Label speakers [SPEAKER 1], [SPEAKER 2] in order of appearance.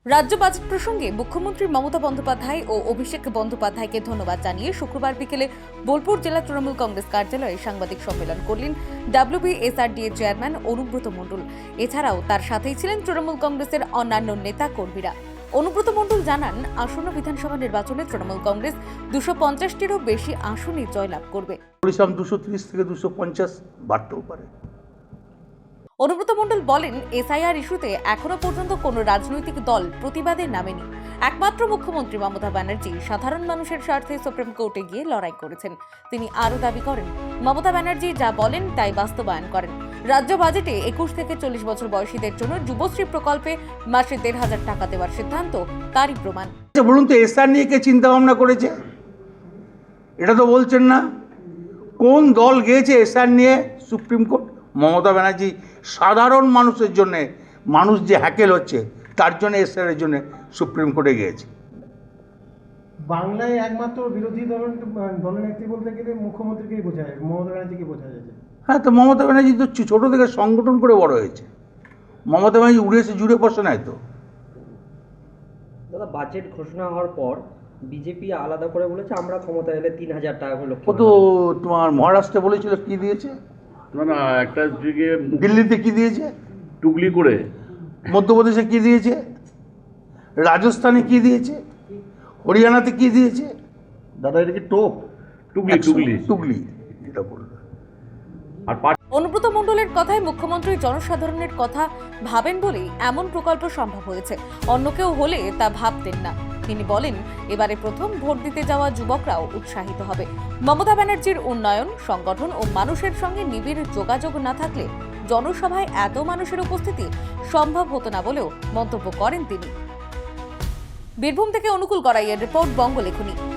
[SPEAKER 1] রাজ্য বাজেট প্রসঙ্গে মুখ্যমন্ত্রী মমতা বন্দ্যোপাধ্যায় ও অভিষেক বন্দ্যোপাধ্যায়কে ধন্যবাদ জানিয়ে শুক্রবার বিকেলে বোলপুর জেলা তৃণমূল কংগ্রেস কার্যালয়ে সাংবাদিক সম্মেলন করলেন WBSRDA চেয়ারম্যান অনুব্রত মণ্ডল। এছাড়াও তার সাথেই ছিলেন তৃণমূল কংগ্রেসের অন্যান্য নেতা কর্মীরা। অনুব্রত মণ্ডল জানান, আসন্ন বিধানসভা নির্বাচনে তৃণমূল কংগ্রেস 250টিরও বেশি আসনে জয়লাভ করবে।
[SPEAKER 2] 230 থেকে 250 বাড়তেও পারে।
[SPEAKER 1] অনুব্রত মণ্ডল বলেন, এসআইআর ইস্যুতে এখনো পর্যন্ত কোনো রাজনৈতিক দল প্রতিবাদে নামেনি। একমাত্র মুখ্যমন্ত্রী মমতা ব্যানার্জি সাধারণ মানুষের স্বার্থে সুপ্রিম কোর্টে গিয়ে লড়াই করেছেন। তিনি আরও দাবি করেন, মমতা ব্যানার্জি যা বলেন তাই বাস্তবায়ন করেন। রাজ্য বাজেটে 21 থেকে 40 বছর বয়সীদের জন্য যুবশ্রী প্রকল্পে মাসে 1,500 টাকা দেওয়ার সিদ্ধান্ত তারই প্রমাণ।
[SPEAKER 2] বলুন তো, এসআর নিয়ে কে চিন্তা ভাবনা করেছে? এটা তো বলছেন না। কোন দল গিয়েছে এসআর নিয়ে সুপ্রিম কোর্ট? মমতা ব্যানার্জি সাধারণ মানুষের জন্যে, মানুষ যে হ্যাকেল হচ্ছে তার জন্য এসআর এর জন্য সুপ্রিম কোর্টে গিয়েছে।
[SPEAKER 3] বাংলায় একমাত্র বিরোধী দলনেত্রী বলতে গেলে মুখ্যমন্ত্রীকেই বোঝা যায়, মমতা ব্যানার্জিকে বোঝা যায়।
[SPEAKER 2] হ্যাঁ, তো মমতা ব্যানার্জি তো ছোট থেকে সংগঠন করে বড় হয়েছে। মমতা ব্যানার্জি উড়েছে জুড়ে বসে নাই তো।
[SPEAKER 4] দাদা, বাজেট ঘোষণা হওয়ার পর বিজেপি আলাদা করে বলেছে আমরা ক্ষমতা এলে 3,000 টাকা করে
[SPEAKER 2] ও তো তোমার মহারাষ্ট্রে বলেছিল, কি দিয়েছে?
[SPEAKER 5] না একটা দিকে
[SPEAKER 2] দিল্লিতে কি দিয়েছে?
[SPEAKER 5] টুকলি করে,
[SPEAKER 2] মধ্যপ্রদেশে কি দিয়েছে? রাজস্থানে কি দিয়েছে? হরিয়ানাতে কি দিয়েছে?
[SPEAKER 5] দাদা এটা কি টোপ? টুকলি টুকলি
[SPEAKER 2] টুকলি এটা বললো।
[SPEAKER 5] আর
[SPEAKER 1] অনুব্রত মণ্ডলের কথায় মুখ্যমন্ত্রী জনসাধারণের কথা ভাবেন বলেই এমন প্রকল্প সম্ভব হয়েছে। অন্য কেউ হলে তা ভাবতেন না। তিনি বলেন, এবারে প্রথম ভোট দিতে যাওয়া যুবকরাও উৎসাহিত হবে। মমতা ব্যানার্জির উন্নয়ন, সংগঠন ও মানুষের সঙ্গে নিবিড় যোগাযোগ না থাকলে জনসভায় এত মানুষের উপস্থিতি সম্ভব হতো না বলেও মন্তব্য করেন তিনি। বীরভূম থেকে অনুকূল গড়াইয়ের রিপোর্ট, বঙ্গলেখনী।